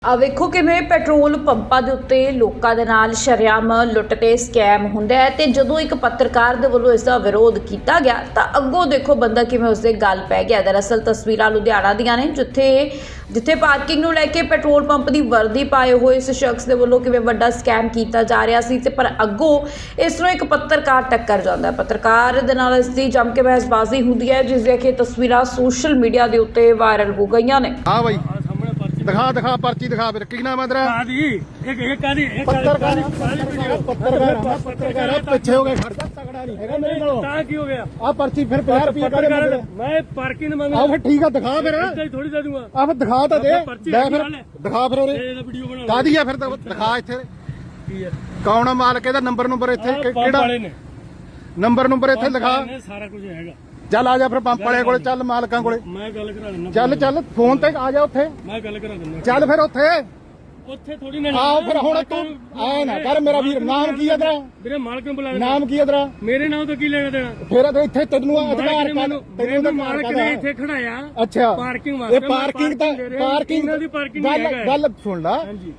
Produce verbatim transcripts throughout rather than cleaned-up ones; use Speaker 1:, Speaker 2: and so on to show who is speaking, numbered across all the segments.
Speaker 1: ਆ ਵੇਖੋ ਕਿਵੇਂ ਪੈਟਰੋਲ ਪੰਪਾਂ ਦੇ ਉੱਤੇ ਲੋਕਾਂ ਦੇ ਨਾਲ ਸ਼ਰੇਆਮ ਲੁੱਟ ਤੇ ਸਕੈਮ ਹੁੰਦਾ ਹੈ ਤੇ ਜਦੋਂ ਇੱਕ ਪੱਤਰਕਾਰ ਦੇ ਵੱਲੋਂ ਇਸ ਦਾ ਵਿਰੋਧ ਕੀਤਾ ਗਿਆ ਤਾਂ ਅੱਗੋਂ ਦੇਖੋ ਬੰਦਾ ਕਿਵੇਂ ਉਸਦੇ ਗੱਲ ਪੈ ਗਿਆ। ਦਰਅਸਲ ਤਸਵੀਰਾਂ ਲੁਧਿਆਣਾ ਦੀਆਂ ਨੇ ਜਿੱਥੇ ਜਿੱਥੇ ਪਾਰਕਿੰਗ ਨੂੰ ਲੈ ਕੇ ਪੈਟਰੋਲ ਪੰਪ ਦੀ ਵਰਦੀ ਪਾਏ ਹੋਏ ਇਸ ਸ਼ਖਸ ਦੇ ਵੱਲੋਂ ਕਿਵੇਂ ਵੱਡਾ ਸਕੈਮ ਕੀਤਾ ਜਾ ਰਿਹਾ ਸੀ ਤੇ ਪਰ ਅੱਗੋਂ ਇਸ ਨੂੰ ਇੱਕ ਪੱਤਰਕਾਰ ਟੱਕਰ ਜਾਂਦਾ ਹੈ। ਪੱਤਰਕਾਰ ਦੇ ਨਾਲ ਇਸ ਦੀ ਜੰਮ ਕੇ ਬਹਿਸਬਾਜ਼ੀ ਹੁੰਦੀ ਹੈ ਜਿਸ ਦੀਆਂ ਕਿ ਤਸਵੀਰਾਂ ਸੋਸ਼ਲ ਮੀਡੀਆ ਦੇ ਉੱਤੇ ਵਾਇਰਲ ਹੋ ਗਈਆਂ ਨੇ।
Speaker 2: हाँ भाई दिखा दिखा पर्ची दिखा फिर की नाम है तेरा?
Speaker 3: एक एक काली एक
Speaker 2: पत्रकार पत्रकार पत्रकार पीछे हो गए खर्चा तगड़ा नहीं हैगा मेरे नाल
Speaker 3: ता की हो गया
Speaker 2: आ पर्ची फिर पचास रुपए का दे
Speaker 3: मैं पार्किंग में
Speaker 2: आ फिर ठीक है दिखा फिर
Speaker 3: थोड़ी दे दूंगा
Speaker 2: आ फिर दिखा तो दे दे फिर दिखा फिर ओरे
Speaker 3: वीडियो बना
Speaker 2: का दिया फिर दिखा इथे कौन है मालिक ਇਹਦਾ ਨੰਬਰ ਨੰਬਰ ਇੱਥੇ ਕਿਹੜਾ ਨੰਬਰ ਨੰਬਰ ਇੱਥੇ ਲਿਖਾ
Speaker 3: ਸਾਰਾ ਕੁਝ ਹੈਗਾ।
Speaker 2: ਚੱਲ ਆ ਜਾ ਫਿਰ ਪੰਪ ਵਾਲੇ ਕੋਲੇ ਚੱਲ ਮਾਲਕਾਂ ਕੋਲੇ
Speaker 3: ਮੈਂ ਗੱਲ ਕਰਾ ਦਿੰਦਾ।
Speaker 2: ਚੱਲ ਚੱਲ ਫੋਨ ਤੇ ਆ ਜਾ ਉੱਥੇ
Speaker 3: ਮੈਂ ਗੱਲ ਕਰਾ ਦਿੰਦਾ।
Speaker 2: ਚੱਲ ਫਿਰ ਉੱਥੇ
Speaker 3: ਉੱਥੇ ਥੋੜੀ ਨਾ
Speaker 2: ਆਓ ਫਿਰ ਹੁਣ ਤੂੰ ਐ ਨਾ ਕਰ ਮੇਰਾ ਵੀਰ ਨਾਮ ਕੀ ਹੈ ਤੇਰਾ?
Speaker 3: ਵੀਰੇ ਮਾਲਕ ਨੂੰ ਬੁਲਾ
Speaker 2: ਨਾਮ ਕੀ ਹੈ ਤੇਰਾ?
Speaker 3: ਮੇਰੇ ਨਾਮ ਤੋਂ ਕੀ ਲੈਣਾ ਦੇਣਾ?
Speaker 2: ਫਿਰ ਤੇ ਇੱਥੇ ਤੈਨੂੰ ਅਧਿਕਾਰ
Speaker 3: ਤੈਨੂੰ ਤਾਂ ਮਾਲਕ ਨੇ ਇੱਥੇ ਖੜਾਇਆ।
Speaker 2: ਅੱਛਾ
Speaker 3: ਪਾਰਕਿੰਗ ਵਾਸਤੇ
Speaker 2: ਇਹ ਪਾਰਕਿੰਗ ਤਾਂ ਪਾਰਕਿੰਗ
Speaker 3: ਦੀ ਪਾਰਕਿੰਗ
Speaker 2: ਗੱਲ ਗੱਲ ਸੁਣ ਲਾ।
Speaker 3: ਹਾਂਜੀ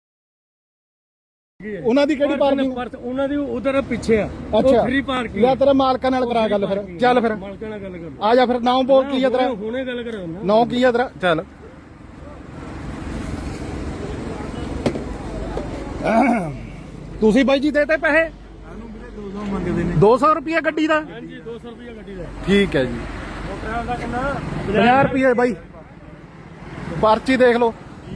Speaker 2: ਉਹਨਾਂ ਦੀ ਕਿਹੜੀ ਪਾਰਕਿੰਗ?
Speaker 3: ਉਹਨਾਂ ਦੀ ਉਧਰ ਪਿੱਛੇ ਆ।
Speaker 2: ਅੱਛਾ
Speaker 3: ਫ੍ਰੀ ਪਾਰਕਿੰਗ।
Speaker 2: ਲੈ ਤੇਰੇ ਮਾਲਕਾਂ ਨਾਲ ਕਰਾ ਗੱਲ ਫਿਰ। ਚੱਲ ਫਿਰ
Speaker 3: ਮਾਲਕਾਂ ਨਾਲ ਗੱਲ ਕਰ।
Speaker 2: ਆ ਜਾ ਫਿਰ ਨਾਮ ਬੋਲ ਕੀ ਹੈ ਤੇਰਾ?
Speaker 3: ਹੁਣੇ ਗੱਲ ਕਰਾ ਦਿੰਦਾ।
Speaker 2: ਨਾਮ ਕੀ ਹੈ ਤੇਰਾ? ਚੱਲ ਤੁਸੀਂ ਬਾਈ ਜੀ ਦੇਤੇ ਪੈਸੇ?
Speaker 3: ਦੋ ਸੌ ਮੰਗਦੇ ਨੇ।
Speaker 2: ਦੋ ਸੌ ਰੁਪਏ ਗੱਡੀ ਦਾ?
Speaker 3: ਹਾਂਜੀ ਦੋ ਸੌ ਰੁਪਏ ਗੱਡੀ ਦਾ।
Speaker 2: ਠੀਕ ਹੈ ਜੀ।
Speaker 3: ਮੋਟਰਾਂ ਦਾ ਕਿੰਨਾ?
Speaker 2: ਪੰਜਾਹ ਰੁਪਏ ਬਾਈ ਪਰਚੀ ਦੇਖ ਲਓ।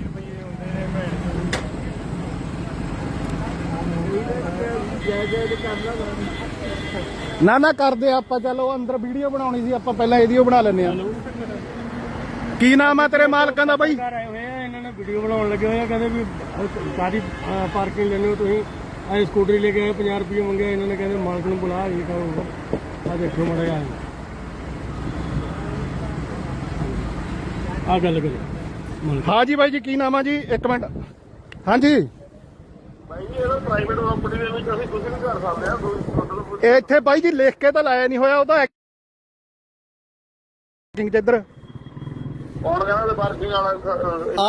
Speaker 2: ਨਾ ਨਾ ਕਰਦੇ ਆਪਾਂ। ਚਲੋ ਅੰਦਰ ਵੀਡੀਓ ਬਣਾਉਣੀ ਸੀ ਆਪਾਂ ਪਹਿਲਾਂ ਇਹਦੀ ਬਣਾ ਲੈਂਦੇ ਆ। ਕੀ ਨਾਮ ਹੈ ਤੇਰੇ ਮਾਲਕਾਂ ਦਾ ਬਾਈ?
Speaker 3: ਆਏ ਹੋਏ ਆ ਇਹਨਾਂ ਨੇ ਵੀਡੀਓ ਬਣਾਉਣ ਲੱਗੇ ਹੋਏ ਆ। ਕਹਿੰਦੇ ਵੀ ਸਾਰੀ ਪਾਰਕਿੰਗ ਲੈਣੀ ਹੋ ਤੁਸੀਂ। ਆ ਸਕੂਟਰੀ ਲੈ ਕੇ ਆਏ ਪੰਜਾਹ ਰੁਪਏ ਮੰਗਿਆ ਇਹਨਾਂ ਨੇ। ਕਹਿੰਦੇ ਮਾਲਕ ਨੂੰ ਬੁਲਾ ਇਹ ਕਹੋ ਆ ਦੇਖੋ ਮੜਾ ਆ ਆ ਗੱਲ ਕਰੋ।
Speaker 2: ਹਾਂ ਜੀ ਬਾਈ ਜੀ ਕੀ ਨਾਮ ਆ ਜੀ? ਇੱਕ ਮਿੰਟ। ਹਾਂਜੀ
Speaker 4: ਭਾਈ ਜੀ ਇਹਦਾ ਪ੍ਰਾਈਵੇਟ ਕੰਪਨੀ ਦੇ ਵਿੱਚ ਅਸੀਂ ਕੁਝ ਨਹੀਂ ਕਰ ਸਕਦੇ ਆ। ਕੋਈ
Speaker 2: ਇੱਥੇ ਬਾਈ ਜੀ ਲਿਖ ਕੇ ਤਾਂ ਲਾਇਆ ਨਹੀਂ ਹੋਇਆ ਉਹਦਾ ਐਕਟਿੰਗ ਚ ਇੱਧਰ
Speaker 4: ਕੌਣ ਕਹਿੰਦਾ ਪਾਰਕਿੰਗ ਵਾਲਾ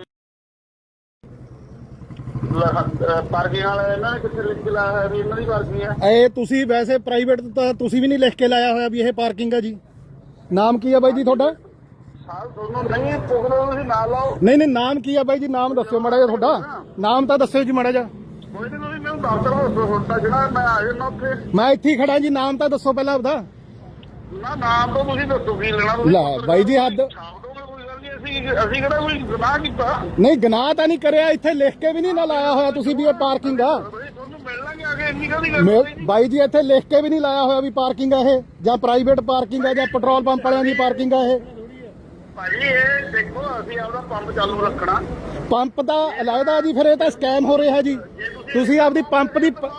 Speaker 4: ਪਾਰਕਿੰਗ ਵਾਲਾ ਇਹਨਾਂ ਨੇ ਕਿੱਥੇ ਲਿਖ ਕੇ ਲਾਇਆ ਹੈ ਵੀ ਇਹਨਾਂ ਦੀ ਪਾਰਕਿੰਗ ਹੈ?
Speaker 2: ਇਹ ਤੁਸੀਂ ਵੈਸੇ ਪ੍ਰਾਈਵੇਟ ਤਾਂ ਤੁਸੀਂ ਵੀ ਨਹੀਂ ਲਿਖ ਕੇ ਲਾਇਆ ਹੋਇਆ ਵੀ ਇਹ ਪਾਰਕਿੰਗ ਹੈ ਜੀ। ਨਾਮ ਕੀ ਹੈ ਬਾਈ ਜੀ ਤੁਹਾਡਾ?
Speaker 4: ਸਾਲ ਦੋਨੋਂ ਨਹੀਂ ਪੁੱਛਣਾ ਤੁਸੀਂ ਨਾਲ ਲਾਓ।
Speaker 2: ਨਹੀਂ ਨਹੀਂ ਨਾਮ ਕੀ ਹੈ ਬਾਈ ਜੀ? ਨਾਮ ਦੱਸਿਓ ਮਾੜਾ ਜਿਹਾ ਤੁਹਾਡਾ। ਨਾਮ ਤਾਂ ਦੱਸਿਓ ਜੀ ਮਾੜਾ ਜਿਹਾ।
Speaker 4: ਕੋਈ ਨਹੀਂ ਤੁਸੀਂ ਮੈਨੂੰ ਦੱਸ ਦਿਓ ਹੁੰਦਾ ਜਿਹੜਾ ਮੈਂ ਆ ਜਾਣਾ ਉੱਥੇ।
Speaker 2: ਮੈਂ ਇੱਥੇ ਹੀ ਖੜਾ ਜੀ। ਨਾਮ ਤਾਂ ਦੱਸੋ ਪਹਿਲਾਂ ਆਪਦਾ।
Speaker 4: ਨਾ ਨਾਮ ਤੋਂ ਤੁਸੀਂ ਦੱਸੋ ਕੀ ਲੈਣਾ ਤੁਸੀਂ।
Speaker 2: ਲੈ ਬਾਈ ਜੀ ਹੱਦ।
Speaker 4: ਛਾਪ ਦੋਗੇ ਕੋਈ ਗੱਲ ਨਹੀਂ। ਅਸੀਂ ਅਸੀਂ ਕਿਹੜਾ ਕੋਈ ਗੁਨਾਹ ਕੀਤਾ?
Speaker 2: ਨਹੀਂ ਗੁਨਾਹ ਤਾਂ ਨਹੀਂ ਕਰਿਆ। ਇੱਥੇ ਲਿਖ ਕੇ ਵੀ ਨਹੀਂ ਨਾ ਲਾਇਆ ਹੋਇਆ ਤੁਸੀਂ ਵੀ ਇਹ ਪਾਰਕਿੰਗ ਆ।
Speaker 4: ਤੁਹਾਨੂੰ ਮਿਲ ਲਾਂਗੇ ਆ ਕੇ। ਇੰਨੀ ਕਾਹਦੀ ਗੱਲ
Speaker 2: ਮੈਂ-
Speaker 4: ਹੈ?
Speaker 2: ਬਾਈ ਜੀ ਇੱਥੇ ਲਿਖ ਕੇ ਵੀ ਨਹੀਂ ਲਾਇਆ ਹੋਇਆ ਵੀ ਪਾਰਕਿੰਗ ਆ ਇਹ, ਜਾਂ ਪ੍ਰਾਈਵੇਟ ਪਾਰਕਿੰਗ ਆ, ਜਾਂ ਪੈਟਰੋਲ ਪੰਪ ਵਾਲਿਆਂ ਦੀ ਪਾਰਕਿੰਗ ਆ ਇਹ।
Speaker 4: ਭਾਜੀ ਇਹ ਦੇਖੋ ਅਸੀਂ ਆਪਦਾ ਪੰਪ ਚਾਲੂ ਰੱਖਣਾ।
Speaker 2: ਪੰਪ ਦਾ ਅਲਾਇਦਾ ਜੀ। ਫਿਰ ਇਹ ਤਾਂ ਸਕੈਮ ਹੋ ਰਿਹਾ ਜੀ। ਤੁਸੀਂ ਆਪਦੀ ਪੰਪ ਦੀ ਪ-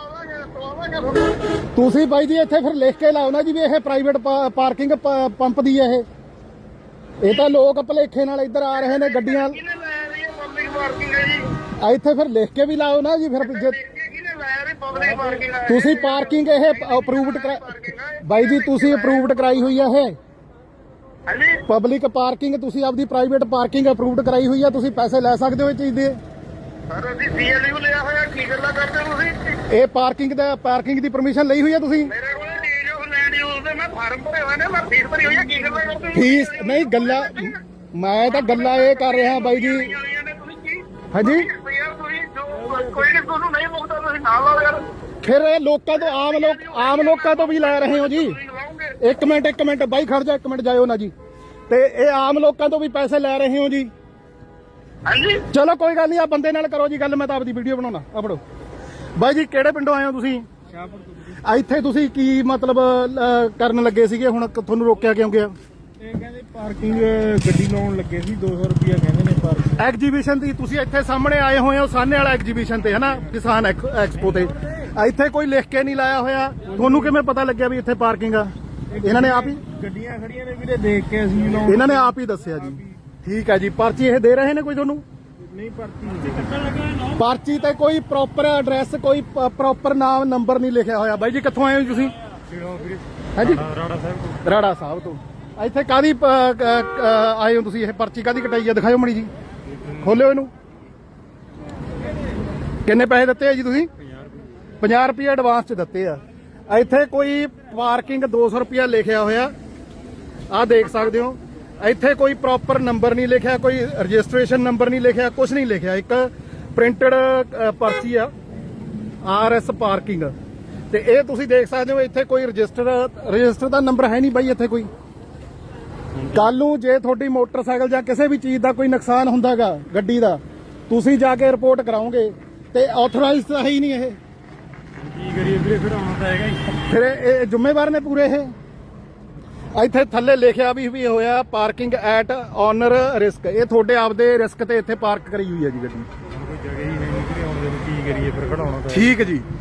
Speaker 2: ਤੁਸੀਂ ਬਾਈ ਜੀ ਇੱਥੇ ਫਿਰ ਲਿਖ ਕੇ ਲਾਓ ਨਾ ਜੀ ਵੀ ਇਹ ਪ੍ਰਾਈਵੇਟ ਪਾਰਕਿੰਗ ਪੰਪ ਦੀ ਹੈ ਇਹ। ਇਹ ਤਾਂ ਲੋਕ ਭਲੇਖੇ ਨਾਲ ਇੱਧਰ ਆ ਰਹੇ ਨੇ ਗੱਡੀਆਂ।
Speaker 4: ਕਿਹਨੇ ਲਾਇਆ ਰਹੀ ਹੈ ਪਬਲਿਕ ਪਾਰਕਿੰਗ ਹੈ ਜੀ?
Speaker 2: ਆ ਇੱਥੇ ਫਿਰ ਲਿਖ ਕੇ ਵੀ ਲਾਓ ਨਾ ਜੀ। ਫਿਰ ਜੇ
Speaker 4: ਕਿਹਨੇ ਲਾਇਆ ਰਹੀ ਪਬਲਿਕ ਪਾਰਕਿੰਗ ਹੈ?
Speaker 2: ਤੁਸੀਂ ਪਾਰਕਿੰਗ ਇਹ ਅਪਰੂਵਡ ਬਾਈ ਜੀ ਤੁਸੀਂ ਅਪਰੂਵਡ ਕਰਾਈ ਹੋਈ ਆ ਇਹ
Speaker 4: ਹਾਂਜੀ
Speaker 2: ਪਬਲਿਕ ਪਾਰਕਿੰਗ। ਤੁਸੀਂ ਆਪਦੀ ਪ੍ਰਾਈਵੇਟ ਪਾਰਕਿੰਗ ਅਪਰੂਵਡ ਕਰਾਈ ਹੋਈ ਆ। ਤੁਸੀਂ ਪੈਸੇ ਲੈ ਸਕਦੇ ਹੋ ਇਹ ਚੀਜ਼ ਦੇ।
Speaker 4: ਸਰ ਅਸੀਂ ਸੀਐਲਯੂ ਲਿਆ ਹੋਇਆ। ਕੀ ਗੱਲਾਂ ਕਰਦੇ ਹੋ ਤੁਸੀਂ?
Speaker 2: ਇਹ ਪਾਰਕਿੰਗ ਦਾ ਪਾਰਕਿੰਗ ਦੀ ਪਰਮਿਸ਼ਨ ਲਈ ਹੋਈ ਆ ਤੁਸੀਂ?
Speaker 4: ਮੇਰੇ ਕੋਲ ਡੀਜ ਆਫ ਲੈਂਡ ਯੂਜ਼ ਦੇ ਮੈਂ ਫਾਰਮ ਭਰੇ ਹੋਏ ਨੇ। ਮੈਂ ਫੀਸ ਭਰੀ ਹੋਈ ਹੈ। ਕੀ ਗੱਲਾਂ ਕਰਦੇ ਹੋ?
Speaker 2: ਫੀਸ ਨਹੀਂ ਗੱਲਾਂ ਮੈਂ ਤਾਂ ਗੱਲਾਂ ਇਹ ਕਰ ਰਿਹਾ ਬਾਈ ਜੀ। ਹਾਂਜੀ
Speaker 4: ਯਾਰ ਤੁਸੀਂ ਜੋ ਕੋਈ ਨਹੀਂ ਤੁਹਾਨੂੰ ਨਹੀਂ ਮੁਕਦਾ ਤੁਸੀਂ ਨਾਲ ਲਾਓ ਯਾਰ।
Speaker 2: ਫਿਰ ਇਹ ਲੋਕਾਂ ਤੋਂ ਆਮ ਲੋਕ ਆਮ ਲੋਕਾਂ ਤੋਂ ਵੀ ਲੈ ਰਹੇ ਹੋ ਜੀ।
Speaker 4: ਤੁਸੀਂ ਲਾਓਗੇ।
Speaker 2: ਇੱਕ ਮਿੰਟ ਇੱਕ ਮਿੰਟ ਬਾਈ ਖੜ ਜਾ। ਇੱਕ ਮਿੰਟ ਜਾਇਓ ਨਾ ਜੀ। ਤੇ ਇਹ ਆਮ ਲੋਕਾਂ ਤੋਂ ਵੀ ਪੈਸੇ ਲੈ ਰਹੇ ਹੋ ਜੀ।
Speaker 4: ਹਾਂਜੀ
Speaker 2: ਚਲੋ ਕੋਈ ਗੱਲ ਨਹੀਂ। ਆ ਬੰਦੇ ਨਾਲ ਕਰੋ ਜੀ ਗੱਲ। ਮੈਂ ਤਾਂ ਆਪਦੀ ਵੀਡੀਓ ਬਣਾਉਣਾ। ਆ ਫੜੋ ਬਾਈ ਜੀ। ਕਿਹੜੇ ਪਿੰਡੋਂ ਆਏ ਹੋ ਤੁਸੀਂ? ਆ ਇੱਥੇ ਤੁਸੀਂ ਕੀ ਮਤਲਬ ਅਹ, ਕਰਨ ਲੱਗੇ ਸੀਗੇ? ਹੁਣ ਤੁਹਾਨੂੰ ਰੋਕਿਆ ਕਿਉਂ ਗਿਆ?
Speaker 3: ਇਹ ਕਹਿੰਦੇ ਪਾਰਕਿੰਗ ਗੱਡੀ ਲਾਉਣ ਲੱਗੇ ਸੀ। ਦੋ ਸੌ ਰੁਪਏ ਕਹਿੰਦੇ ਨੇ ਪਾਰਕਿੰਗ।
Speaker 2: ਐਗਜੀਬਿਸ਼ਨ ਦੀ ਤੁਸੀਂ ਇੱਥੇ ਸਾਹਮਣੇ ਆਏ ਹੋਏ ਹੋ ਸਾਹਨੇ ਵਾਲਾ ਐਗਜੀਬਿਸ਼ਨ ਤੇ ਹਨਾ ਕਿਸਾਨ ਐਕਸਪੋ ਤੇ। ਇੱਥੇ ਕੋਈ ਲਿਖ ਕੇ ਨਹੀਂ ਲਾਇਆ ਹੋਇਆ। ਤੁਹਾਨੂੰ ਕਿਵੇਂ ਪਤਾ ਲੱਗਿਆ ਵੀ ਇੱਥੇ ਪਾਰਕਿੰਗ ਆ? ਇਹਨਾਂ ਨੇ ਆਪ ਹੀ
Speaker 3: ਗੱਡੀਆਂ ਖੜੀਆਂ ਨੇ ਵੀਰੇ ਦੇਖ ਕੇ ਅਸੀਂ ਲਾਉਣ।
Speaker 2: ਇਹਨਾਂ ਨੇ ਆਪ ਹੀ ਦੱਸਿਆ ਜੀ। ਠੀਕ ਹੈ ਜੀ। ਪਰਚੀ ਇਹ ਦੇ ਰਹੇ ਨੇ ਕੋਈ ਤੁਹਾਨੂੰ?
Speaker 3: ਨਹੀਂ ਪਰਚੀ ਕੱਟਣ ਲੱਗਾ।
Speaker 2: ਪਰਚੀ ਤੇ ਕੋਈ ਪ੍ਰੋਪਰ ਐਡਰੈਸ ਕੋਈ ਪ੍ਰੋਪਰ ਨਾਮ ਨੰਬਰ ਨਹੀਂ ਲਿਖਿਆ ਹੋਇਆ। ਬਾਈ ਜੀ ਕਿੱਥੋਂ ਆਏ ਹੋ ਤੁਸੀਂ? ਹਾਂਜੀ
Speaker 3: ਰਾੜਾ ਸਾਹਿਬ ਤੋਂ।
Speaker 2: ਰਾੜਾ ਸਾਹਿਬ ਤੋਂ। ਇੱਥੇ ਕਾਦੀ ਆਏ ਹੋ ਤੁਸੀਂ? ਇਹ ਪਰਚੀ ਕਾਦੀ ਕਟਾਈ ਆ? ਦਿਖਾਓ ਮੜੀ ਜੀ। ਖੋਲਿਓ ਇਹਨੂੰ। ਕਿੰਨੇ ਪੈਸੇ ਦਿੱਤੇ ਆ ਜੀ ਤੁਸੀਂ? ਪੰਜਾਹ ਰੁਪਏ ਐਡਵਾਂਸ ਚ ਦਿੱਤੇ ਆ। ਇੱਥੇ ਕੋਈ ਪਾਰਕਿੰਗ ਦੋ ਸੌ ਰੁਪਇਆ ਲਿਖਿਆ ਹੋਇਆ, ਆਹ ਦੇਖ ਸਕਦੇ ਹੋ। ਇੱਥੇ ਕੋਈ ਪ੍ਰੋਪਰ ਨੰਬਰ ਨਹੀਂ ਲਿਖਿਆ, ਕੋਈ ਰਜਿਸਟ੍ਰੇਸ਼ਨ ਨੰਬਰ ਨਹੀਂ ਲਿਖਿਆ, ਕੁਝ ਨਹੀਂ ਲਿਖਿਆ। ਇੱਕ ਪ੍ਰਿੰਟਡ ਪਰਚੀ ਆ ਆਰ ਐਸ ਪਾਰਕਿੰਗ, ਤੇ ਇਹ ਤੁਸੀਂ ਦੇਖ ਸਕਦੇ ਹੋ। ਇੱਥੇ ਕੋਈ ਰਜਿਸਟਰ ਰਜਿਸਟਰ ਦਾ ਨੰਬਰ ਹੈ ਨਹੀਂ ਬਾਈ ਇੱਥੇ ਕੋਈ। ਕੱਲ ਨੂੰ ਜੇ ਤੁਹਾਡੀ ਮੋਟਰਸਾਈਕਲ ਜਾਂ ਕਿਸੇ ਵੀ ਚੀਜ਼ ਦਾ ਕੋਈ ਨੁਕਸਾਨ ਹੁੰਦਾਗਾ ਗੱਡੀ ਦਾ, ਤੁਸੀਂ ਜਾ ਕੇ ਰਿਪੋਰਟ ਕਰਾਓਗੇ ਤੇ ਆਥੋਰਾਈਜ਼ਡ ਤਾਂ ਹੈ ਹੀ ਨਹੀਂ ਇਹ।
Speaker 3: ਕੀ ਕਰੀਏ ਵੀਰੇ, ਖੜਾਉਣਾ ਤਾਂ ਹੈਗਾ ਹੀ।
Speaker 2: ਫਿਰ ਇਹ ਜ਼ਿੰਮੇਵਾਰ ਨੇ ਪੂਰੇ ਇਹ। ਇੱਥੇ ਥੱਲੇ ਲਿਖਿਆ ਵੀ ਵੀ ਹੋਇਆ ਪਾਰਕਿੰਗ ਐਟ ਓਨਰ ਰਿਸਕ। ਇਹ ਤੁਹਾਡੇ ਆਪਦੇ ਰਿਸਕ ਤੇ ਇੱਥੇ ਪਾਰਕ ਕਰੀ ਹੋਈ ਹੈ ਜੀ ਗੱਡੀ।
Speaker 3: ਕੋਈ ਜਗ੍ਹਾ ਹੀ ਨਹੀਂ ਵੀਰੇ ਆਉਣ ਦੇ, ਕੀ ਕਰੀਏ ਫਿਰ, ਖੜਾਉਣਾ ਤਾਂ।
Speaker 2: ਠੀਕ ਜੀ।